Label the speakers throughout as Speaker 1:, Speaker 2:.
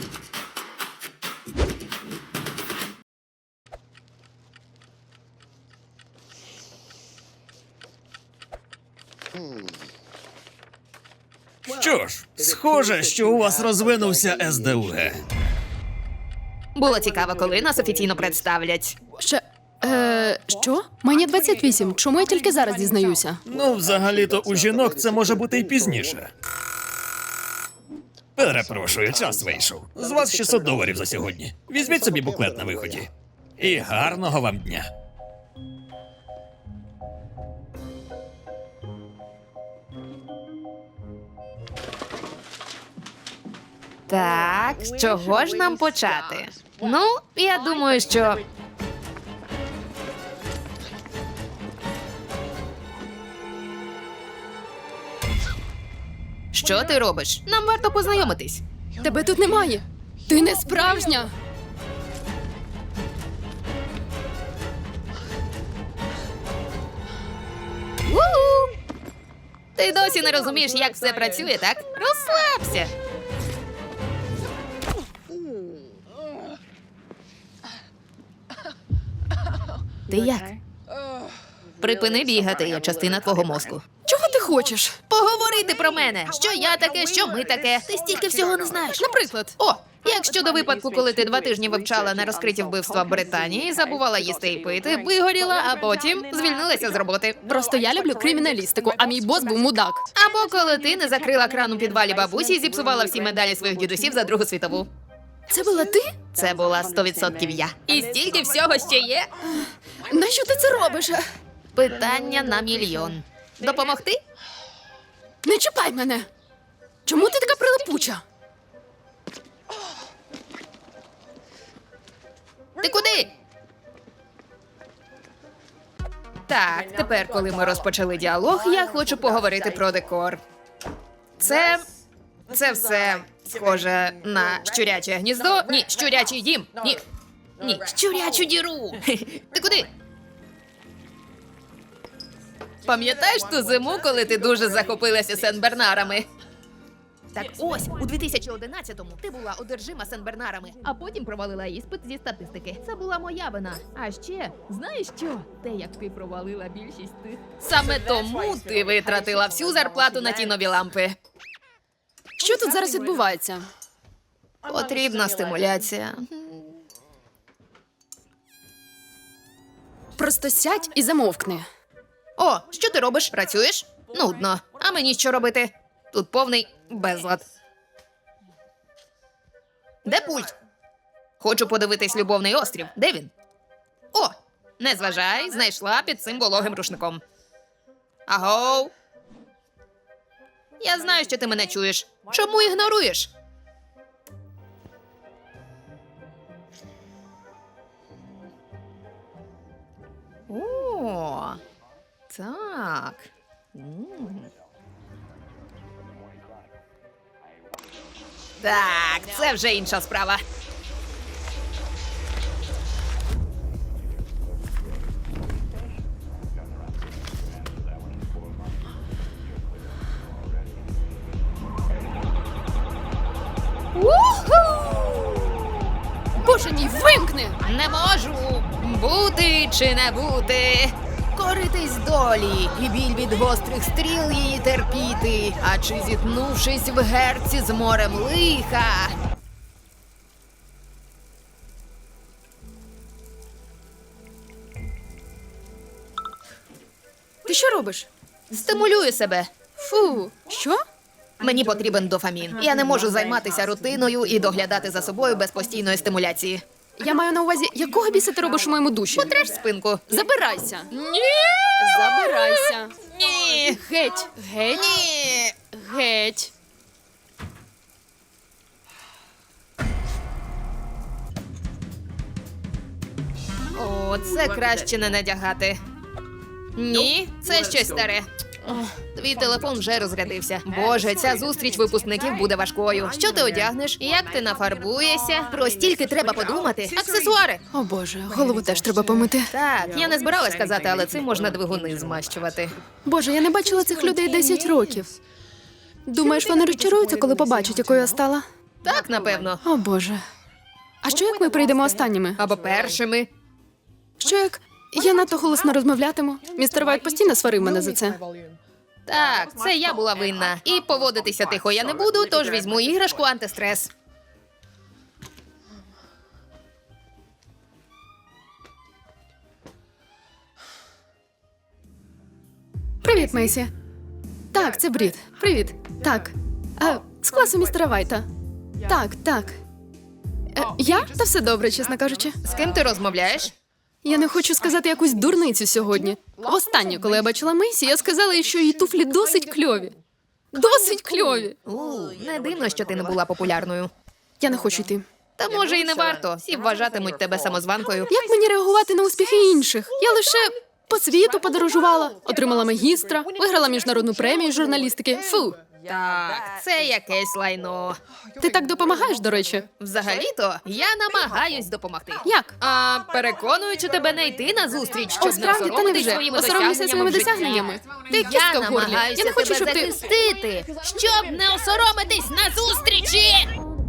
Speaker 1: Що ж, схоже, що у вас розвинувся СДУГ.
Speaker 2: Було цікаво, коли нас офіційно представлять.
Speaker 3: Що? Мені 28. Чому я тільки зараз дізнаюся?
Speaker 1: Ну, взагалі-то у жінок це може бути і пізніше. Перепрошую, час вийшов. З вас $600 за сьогодні. Візьміть собі буклет на виході. І гарного вам дня.
Speaker 2: Так, з чого ж нам почати? Ну, я думаю, що... Що ти робиш? Нам варто познайомитись.
Speaker 3: Тебе тут немає. Ти не справжня.
Speaker 2: У-у! Ти досі не розумієш, як все працює, так? Розслабся. Ти як? Припини бігати, я частина твого мозку.
Speaker 3: Чого ти хочеш?
Speaker 2: Поговорити про мене. Що я таке, що ми таке. Ти стільки всього не знаєш.
Speaker 3: Наприклад.
Speaker 2: О, як щодо випадку, коли ти 2 тижні вивчала нерозкриті вбивства в Британії, забувала їсти і пити, вигоріла, а потім звільнилася з роботи.
Speaker 3: Просто я люблю криміналістику, а мій бос був мудак.
Speaker 2: Або коли ти не закрила кран у підвалі бабусі і зіпсувала всі медалі своїх дідусів за Другу світову.
Speaker 3: Це була ти?
Speaker 2: Це була 100% я. І стільки всього ще є.
Speaker 3: Нащо ти це робиш?
Speaker 2: Питання на мільйон. Допомогти?
Speaker 3: Не чіпай мене. Чому ти така прилипуча?
Speaker 2: Ти куди? Так, тепер, коли ми розпочали діалог, я хочу поговорити про декор. Це все схоже на щуряче гніздо. Ні, щурячий дім. Ні, щурячу діру. Ти куди? Пам'ятаєш ту зиму, коли ти дуже захопилася Сен-Бернарами? Так ось, у 2011-му ти була одержима Сен-Бернарами, а потім провалила іспит зі статистики. Це була моя вина. А ще, знаєш що? Те, як ти провалила більшість тих. Саме тому ти витратила всю зарплату на ті нові лампи.
Speaker 3: Що тут зараз відбувається?
Speaker 2: Потрібна стимуляція.
Speaker 3: Просто сядь і замовкни.
Speaker 2: О, що ти робиш? Працюєш? Нудно. А мені що робити? Тут повний безлад. Де пульт? Хочу подивитись «Любовний острів». Де він? О, не зважай, знайшла під цим вологим рушником. Агоу. Я знаю, що ти мене чуєш. Чому ігноруєш? О, так. Так, це вже інша справа.
Speaker 3: Боже мій, вимкни!
Speaker 2: Не можу бути чи не бути. Коритись долі, і біль від гострих стріл її терпіти, а чи зіткнувшись в герці з морем лиха.
Speaker 3: Ти що робиш?
Speaker 2: Стимулюю себе.
Speaker 3: Фу, що?
Speaker 2: Мені потрібен дофамін. Я не можу займатися рутиною і доглядати за собою без постійної стимуляції.
Speaker 3: Я маю на увазі, якого біса ти робиш у моєму душі?
Speaker 2: Потреш спинку.
Speaker 3: Забирайся.
Speaker 2: Ні!
Speaker 3: Забирайся.
Speaker 2: Ні!
Speaker 3: Геть, геть,
Speaker 2: Ні!
Speaker 3: геть.
Speaker 2: О, це краще не надягати. Ні, це щось старе. Твій телефон вже розрядився. Боже, ця зустріч випускників буде важкою. Що ти одягнеш? Як ти нафарбуєшся? Про стільки треба подумати. Аксесуари.
Speaker 3: О боже, голову теж треба помити.
Speaker 2: Так, я не збиралась казати, але цим можна двигуни змащувати.
Speaker 3: Боже, я не бачила цих людей 10 років. Думаєш, вони розчаруються, коли побачать, якою я стала?
Speaker 2: Так, напевно.
Speaker 3: О боже. А що як ми прийдемо останніми?
Speaker 2: Або першими.
Speaker 3: Що як я надто голосно розмовлятиму? Містер Вайт постійно сварив мене за це.
Speaker 2: Так, це я була винна. І поводитися тихо я не буду, тож візьму іграшку антистрес.
Speaker 3: Привіт, Мейсі. Так, це Брід. Привіт. Так. З класу містера Вайта. Так, так. Я? Та все добре, чесно кажучи.
Speaker 2: З ким ти розмовляєш?
Speaker 3: Я не хочу сказати якусь дурницю сьогодні. Востаннє, коли я бачила Мейсі, я сказала їй, що її туфлі досить кльові. Досить кльові.
Speaker 2: Не дивно, що ти не була популярною.
Speaker 3: Я не хочу йти.
Speaker 2: Та може і не варто. Всі вважатимуть тебе самозванкою.
Speaker 3: Як мені реагувати на успіхи інших? Я лише по світу подорожувала, отримала магістра, виграла міжнародну премію з журналістики. Фу.
Speaker 2: Так, це якесь лайно.
Speaker 3: Ти так допомагаєш, до речі.
Speaker 2: Взагалі-то я намагаюсь допомогти.
Speaker 3: Як?
Speaker 2: Переконуючи тебе не йти на зустріч, щоб
Speaker 3: О, справді, та
Speaker 2: соромитись
Speaker 3: невже?
Speaker 2: своїми
Speaker 3: Осоромлюся своїми
Speaker 2: досягненнями.
Speaker 3: досягненнями.
Speaker 2: в
Speaker 3: Ти
Speaker 2: житті.
Speaker 3: кістка
Speaker 2: Я
Speaker 3: в горлі.
Speaker 2: намагаюся
Speaker 3: Я не хочу,
Speaker 2: тебе
Speaker 3: щоб ти...
Speaker 2: захистити, щоб не осоромитись на зустрічі.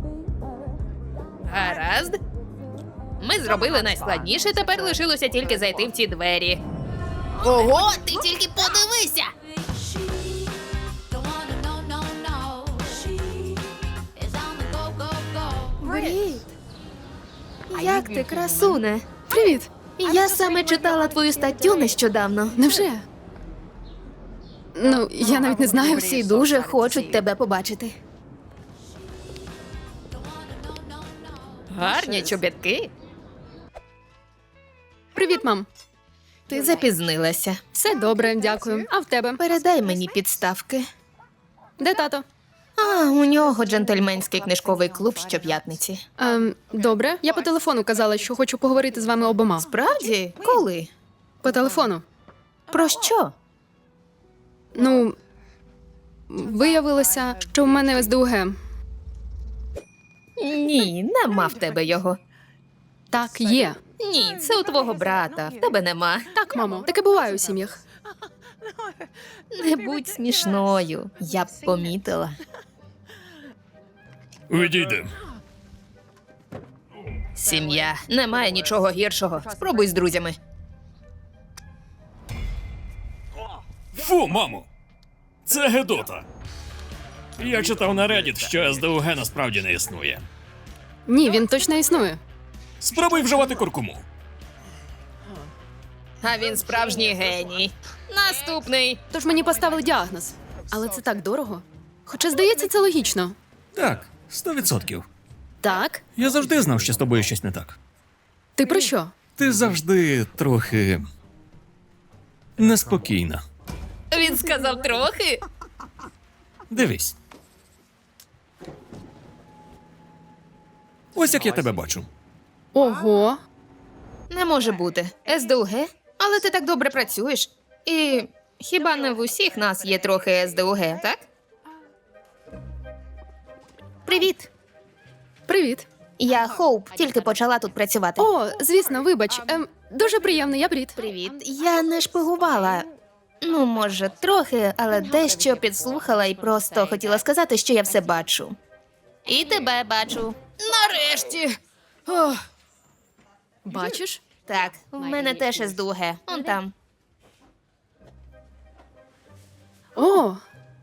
Speaker 2: Гаразд. Ми зробили найскладніше, тепер лишилося тільки зайти в ці двері. Ого, ти тільки подивися!
Speaker 4: Don't wanna know, no, no. She is on the go, go, go.
Speaker 2: Привіт. Як ти, красуне?
Speaker 3: Привіт.
Speaker 2: Я саме читала твою статтю нещодавно.
Speaker 3: Невже? Ну, я навіть не знаю.
Speaker 2: Всі дуже хочуть тебе побачити. Гарні чобітки.
Speaker 3: Привіт, мам.
Speaker 2: Ти запізнилася.
Speaker 3: Все добре, дякую. А в тебе?
Speaker 2: Передай мені підставки.
Speaker 3: Де тато?
Speaker 2: У нього джентльменський книжковий клуб щоп'ятниці.
Speaker 3: Добре. Я по телефону казала, що хочу поговорити з вами обома.
Speaker 2: Справді? Коли?
Speaker 3: По телефону.
Speaker 2: Про що?
Speaker 3: Ну, виявилося, що в мене СДУГ.
Speaker 2: Ні, нема в тебе його.
Speaker 3: Так, є.
Speaker 2: Ні, це у твого брата. В тебе нема.
Speaker 3: Так, мамо, таке буває у сім'ях.
Speaker 2: Не будь смішною. Я б помітила.
Speaker 1: Відійди.
Speaker 2: Сім'я. Немає нічого гіршого. Спробуй з друзями.
Speaker 1: Фу, мамо! Це Гедота. Я читав на Reddit, що СДУГ насправді не існує.
Speaker 3: Ні, він точно існує.
Speaker 1: Спробуй вживати куркуму.
Speaker 2: А він справжній геній. Наступний.
Speaker 3: Тож мені поставили діагноз. Але це так дорого. Хоча, здається, це логічно.
Speaker 1: Так, 100%.
Speaker 3: Так?
Speaker 1: Я завжди знав, що з тобою щось не так.
Speaker 3: Ти про що?
Speaker 1: Ти завжди трохи неспокійна.
Speaker 2: Він сказав трохи.
Speaker 1: Дивись. Ось як я тебе бачу.
Speaker 3: Ого.
Speaker 2: Не може бути. СДУГ? Але ти так добре працюєш. І хіба не в усіх нас є трохи СДУГ, так? Привіт.
Speaker 3: Привіт.
Speaker 2: Я Хоуп, тільки почала тут працювати.
Speaker 3: О, звісно, вибач. Дуже приємно, я Брід.
Speaker 2: Привіт. Я не шпигувала. Ну, може, трохи, але дещо підслухала і просто хотіла сказати, що я все бачу. І тебе бачу. Нарешті. Ох,
Speaker 3: Бачиш?
Speaker 2: так, в мене теж СДУГ. Он там.
Speaker 3: О.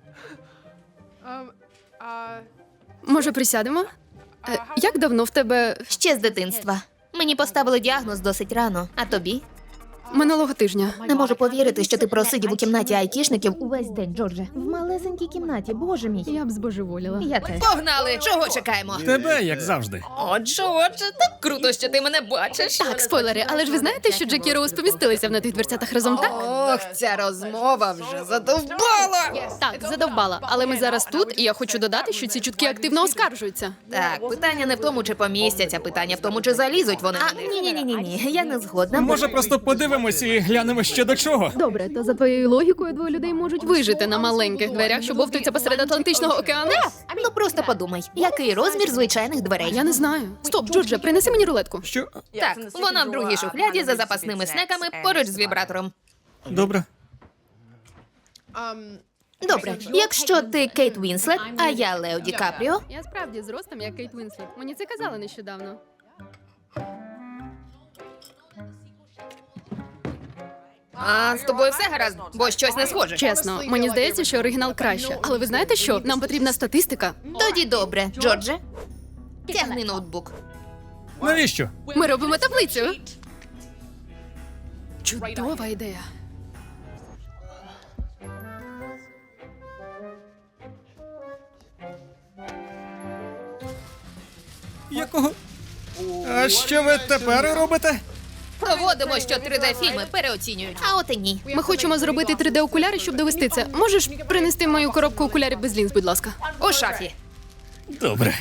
Speaker 3: Може, присядемо? Як давно в тебе
Speaker 2: Ще з дитинства. Мені поставили діагноз досить рано, а тобі?
Speaker 3: минулого тижня?
Speaker 2: Не можу повірити, що ти просидів у кімнаті айтішників увесь день, Джордже. В малесенькій кімнаті, боже мій.
Speaker 3: Я б збожеволіла.
Speaker 2: Я теж. Погнали! Чого чекаємо?
Speaker 1: Тебе, як завжди.
Speaker 2: О, Джордже, так круто, що ти мене бачиш.
Speaker 3: Так, спойлери, але ж ви знаєте, що Джек і Роуз помістилися в тих дверцятах разом, так?
Speaker 2: Ох, ця розмова вже задовбала.
Speaker 3: Так, задовбала. Але ми зараз тут, і я хочу додати, що ці чутки активно оскаржуються.
Speaker 2: Так, питання не в тому, чи помістяться, питання в тому, чи залізуть вони на них. Ні, я не згодна.
Speaker 1: Може, просто подивимось і глянемо ще до чого.
Speaker 3: Добре, то за твоєю логікою двоє людей можуть вижити на маленьких дверях, що бовтаються посеред Атлантичного океану.
Speaker 2: Ну просто подумай, який розмір звичайних дверей?
Speaker 3: Я не знаю. Стоп, Джордже, принеси мені рулетку.
Speaker 1: Що?
Speaker 2: Так, вона в другій шухляді за запасними снеками поруч з вібратором.
Speaker 1: Добре.
Speaker 2: Добре, якщо ти Кейт Вінслет, а я Лео Ді Капріо,
Speaker 3: Я справді зростом як Кейт Вінслет. Мені це казали нещодавно.
Speaker 2: а з тобою все гаразд, бо щось не схоже.
Speaker 3: Чесно, мені здається, що оригінал краще. Але ви знаєте що? Нам потрібна статистика.
Speaker 2: Тоді добре, Джордже. Тягни ноутбук.
Speaker 1: Навіщо?
Speaker 3: Ми робимо таблицю. Чудова ідея.
Speaker 1: Якого? А що ви тепер робите?
Speaker 2: Доводимо, що 3D-фільми переоцінюють. А от і ні.
Speaker 3: Ми хочемо зробити 3D-окуляри, щоб довести це. Можеш принести мою коробку окулярів без лінз, будь ласка?
Speaker 2: У шафі.
Speaker 1: Добре.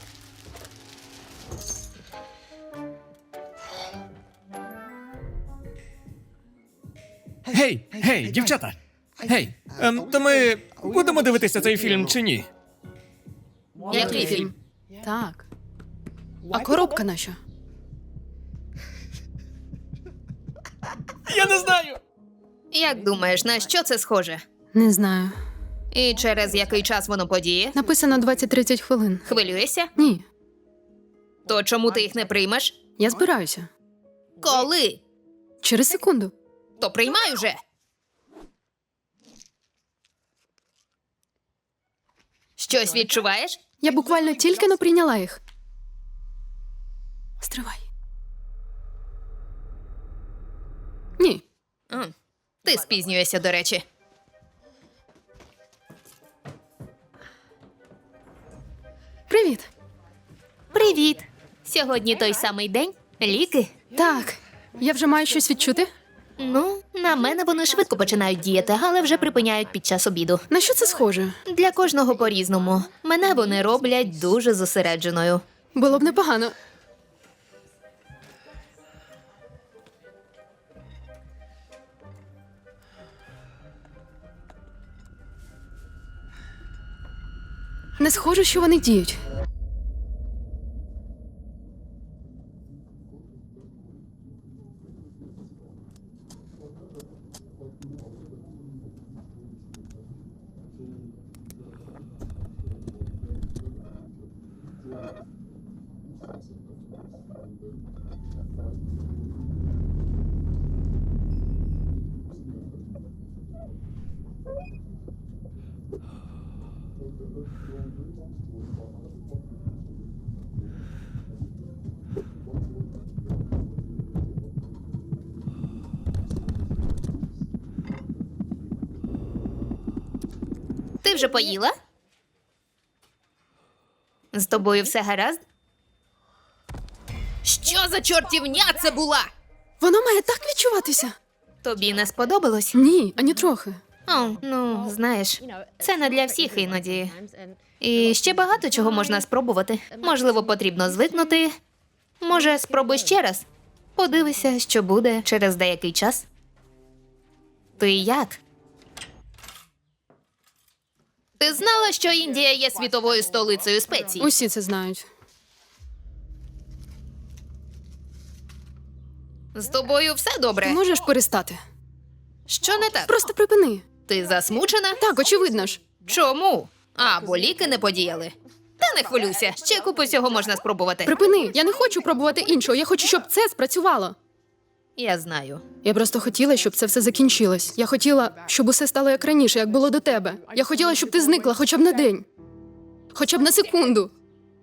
Speaker 1: Гей, дівчата! Гей, то ми будемо дивитися цей фільм чи ні?
Speaker 2: Який фільм?
Speaker 3: Так. А коробка наша?
Speaker 1: Я не знаю!
Speaker 2: Як думаєш, на що це схоже?
Speaker 3: Не знаю.
Speaker 2: І через який час воно подіє?
Speaker 3: Написано 20-30 хвилин.
Speaker 2: Хвилюєшся?
Speaker 3: Ні,
Speaker 2: То чому ти їх не приймеш?
Speaker 3: я збираюся.
Speaker 2: Коли?
Speaker 3: Через секунду.
Speaker 2: То приймай уже. Щось відчуваєш?
Speaker 3: Я буквально тільки но прийняла їх. Стривай. Ні.
Speaker 2: Ти спізнюєшся, до речі.
Speaker 3: Привіт.
Speaker 2: Привіт. Сьогодні той самий день? Ліки?
Speaker 3: Так. Я вже маю щось відчути?
Speaker 2: Ну, на мене вони швидко починають діяти, але вже припиняють під час обіду.
Speaker 3: На що це схоже?
Speaker 2: Для кожного по-різному. Мене вони роблять дуже зосередженою.
Speaker 3: Було б непогано. Не схоже, що вони діють.
Speaker 2: Ти вже поїла? З тобою все гаразд? Що за чортівня це була?
Speaker 3: Воно має так відчуватися.
Speaker 2: Тобі не сподобалось?
Speaker 3: Ні, ані трохи.
Speaker 2: О, ну, знаєш, це не для всіх іноді. І ще багато чого можна спробувати. Можливо, потрібно звикнути. Може, спробуй ще раз. Подивися, що буде через деякий час. Ти як? Ти знала, що Індія є світовою столицею спецій?
Speaker 3: Усі це знають.
Speaker 2: З тобою все
Speaker 3: Ти
Speaker 2: добре?
Speaker 3: можеш перестати?
Speaker 2: Що не так?
Speaker 3: Просто припини.
Speaker 2: Ти засмучена?
Speaker 3: Так, очевидно ж.
Speaker 2: Чому? А, бо ліки не подіяли. Та не хвилюйся, ще купу всього можна спробувати.
Speaker 3: Припини. Я не хочу пробувати іншого. Я хочу, щоб це спрацювало.
Speaker 2: Я знаю.
Speaker 3: Я просто хотіла, щоб це все закінчилось. Я хотіла, щоб усе стало як раніше, як було до тебе. Я хотіла, щоб ти зникла хоча б на день. Хоча б на секунду.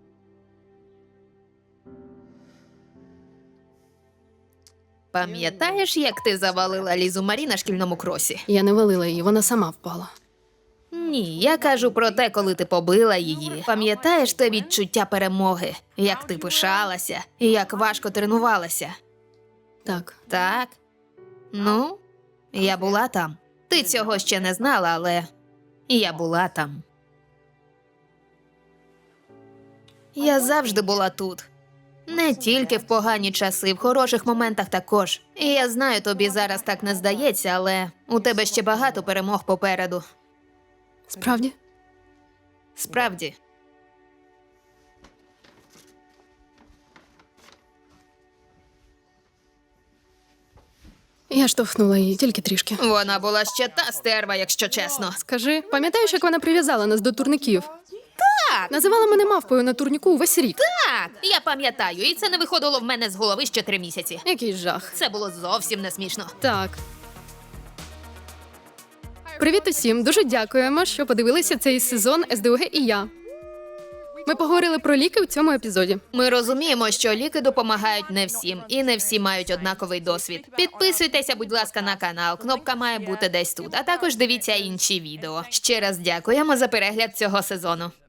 Speaker 2: Пам'ятаєш, як ти завалила Лізу Марі на шкільному кросі?
Speaker 3: Я не валила її, вона сама впала.
Speaker 2: Ні, я кажу про те, коли ти побила її. Пам'ятаєш те відчуття перемоги? Як ти пишалася, і як важко тренувалася?
Speaker 3: Так.
Speaker 2: Так? Ну, я була там. Ти цього ще не знала, але я була там. Я завжди була тут. Не тільки в погані часи, в хороших моментах також. І я знаю, тобі зараз так не здається, але у тебе ще багато перемог попереду.
Speaker 3: Справді?
Speaker 2: Справді.
Speaker 3: Я штовхнула її тільки трішки.
Speaker 2: Вона була ще та стерва, якщо чесно.
Speaker 3: Скажи, пам'ятаєш, як вона прив'язала нас до турників?
Speaker 2: Так,
Speaker 3: Називала мене мавпою на турніку увесь рік.
Speaker 2: так, я пам'ятаю, і це не виходило в мене з голови ще 3 місяці.
Speaker 3: Який жах.
Speaker 2: Це було зовсім не смішно.
Speaker 3: Так. Привіт усім! Дуже дякуємо, що подивилися цей сезон СДУГ і я. Ми поговорили про ліки в цьому епізоді.
Speaker 2: Ми розуміємо, що ліки допомагають не всім, і не всі мають однаковий досвід. Підписуйтеся, будь ласка, на канал. Кнопка має бути десь тут. А також дивіться інші відео. Ще раз дякуємо за перегляд цього сезону.